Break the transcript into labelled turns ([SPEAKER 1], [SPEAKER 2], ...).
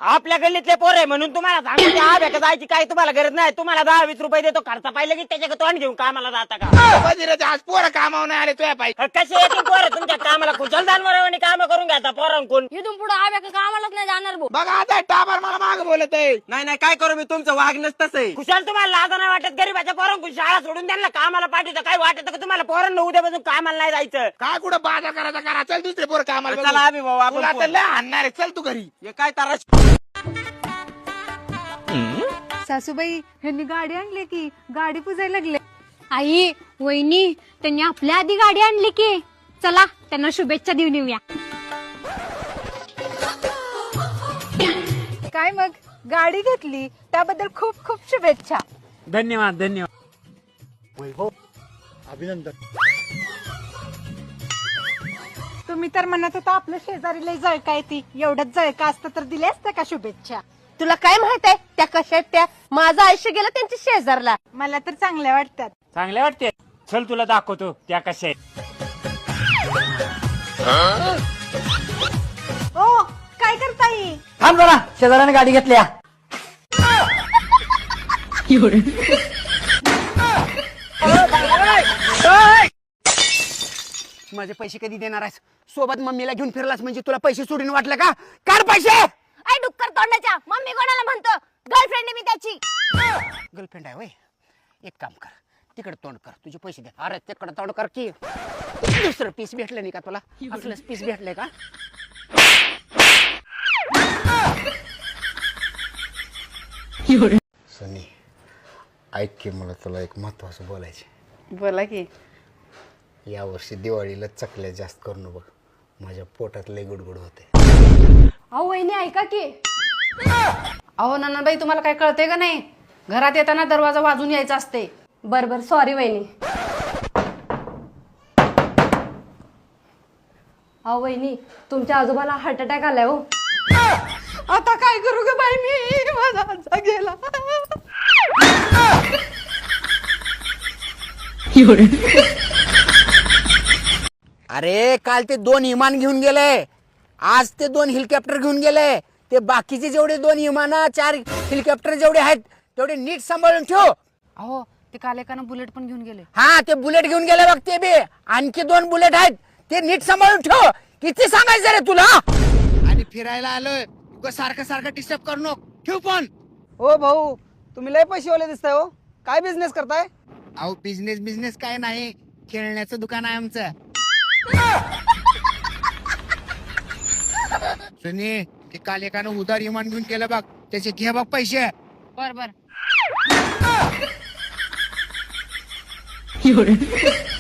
[SPEAKER 1] आपल्या गल्लीतले पोर आहे म्हणून तुम्हाला सांगतो आभ्या जायची काही तुम्हाला गरज नाही. तुम्हाला 10-20 रुपये देतो खर्च पाहिलं की त्याच्या तोंड घेऊन कामाला जाता का?
[SPEAKER 2] वजीराचे आज पोरं कामावर नाही आले तुझ्या पाहिजे.
[SPEAKER 1] कसे येतील पोरं तुमच्या कामाला? कुशल दानवरावानी काम करून घ्या पोरांकून.
[SPEAKER 3] इथून पुढे आव्या कामालाच नाही जाणार भाऊ.
[SPEAKER 2] बघा आता टाबर मला माग बोलत आहे.
[SPEAKER 4] नाही नाही काय करू मी, तुमचं वागणंच तसं आहे.
[SPEAKER 1] कुशाल तुम्हाला लाजा नाही वाटत? गरीबाच्या पोरांकून शाळा सोडून त्यांना कामाला पाठवतं. काय वाटत का तुम्हाला पोरांना उद्यापासून कामाला नाही जायचं?
[SPEAKER 2] काय कुठं बाजार करायचा करा. चल दुसरे पोरं कामाला
[SPEAKER 4] चला
[SPEAKER 2] बघू.
[SPEAKER 4] आम्ही भाऊ
[SPEAKER 2] तुला
[SPEAKER 4] आपण
[SPEAKER 2] आता लय आणणार आहे. चल तू घरी.
[SPEAKER 4] हे काय तारा.
[SPEAKER 5] सासूबाई ह्यांनी गाडी आणली की गाडी पुजायला लागले.
[SPEAKER 3] आई वहिनी त्यांनी आपल्या आधी गाडी आणली की चला त्यांना शुभेच्छा देऊन येऊया.
[SPEAKER 5] काय मग गाडी घेतली त्याबद्दल खूप खूप शुभेच्छा.
[SPEAKER 1] धन्यवाद धन्यवाद.
[SPEAKER 2] वैभव अभिनंदन.
[SPEAKER 5] तुम्ही तर म्हणत होता आपल्या शेजारी लय जळका येते. एवढंच जळका असतं तर दिले असते का शुभेच्छा?
[SPEAKER 6] तुला काय माहित आहे त्या कशा आहेत त्या? माझं आयुष्य गेलं त्यांच्या शेजारला.
[SPEAKER 5] मला तर चांगल्या वाटतात.
[SPEAKER 1] चांगले वाटते. चल तुला दाखवतो त्या कशा आहेत.
[SPEAKER 5] ओ काय करताय?
[SPEAKER 1] थांब जरा, शेजाऱ्याने गाडी घेतल्या.
[SPEAKER 4] माझे पैसे कधी देणार आहेस? सोबत मम्मीला घेऊन फिरलास म्हणजे तुला पैसे सोडून वाटलं का? काढ पैसे.
[SPEAKER 6] आई डुक्कर तोंडाच्या मम्मी कोणाला म्हणतो? गर्लफ्रेंड मी त्याची.
[SPEAKER 4] गर्लफ्रेंड आहे वय. एक काम कर, तिकडे तोंड कर, तुझे पैसे दे. अरे तिकडे तोंड कर की दुसरं पीस भेटलं नाही का तुला? असलंच पीस भेटलंय का?
[SPEAKER 2] सनी ऐक की, मला तुला एक महत्वाचं बोलायचे.
[SPEAKER 5] बोला की.
[SPEAKER 2] या वर्षी दिवाळीला चकल्या जास्त करू बघ. माझ्या पोटात लय गुडगुड होते.
[SPEAKER 3] अहो वहिनी ऐका की. अहो नानाबाई तुम्हाला काय कळते का नाही? घरात येताना दरवाजा वाजून यायचा असते. बर बर सॉरी वहिनी. अहो वहिनी तुमच्या आजोबाला हार्ट अटॅक आलाय हो.
[SPEAKER 5] आता काय करू ग बाई मी? माझा आजा गेला.
[SPEAKER 4] अरे काल ते 2 विमान घेऊन गेले, आज ते 2 हेलिकॉप्टर घेऊन गेले. ते बाकीचे जेवढे 2 विमान 4 हेलिकॉप्टर जेवढे आहेत तेवढे नीट सांभाळून ठेव.
[SPEAKER 3] अहो ते काल एकानं बुलेट पण घेऊन गेले.
[SPEAKER 4] हा ते बुलेट घेऊन गेले बघ. ते बी आणखी 2 बुलेट आहेत, ते नीट सांभाळून ठेव. किती सांगायचं रे तुला?
[SPEAKER 2] आणि फिरायला आलोय. सारखं सारखं डिस्टर्ब करू नको. ठेव पण.
[SPEAKER 7] ओ भाऊ तुम्ही लय पैसेवाले दिसताय हो. काय बिझनेस करताय?
[SPEAKER 2] अहो बिझनेस काय नाही, खेळण्याचं दुकान आहे आमचं. सुनी ते काल एकानं उधार विमान घेऊन केलं बघ. त्याचे घे बघ पैसे.
[SPEAKER 3] बर बर.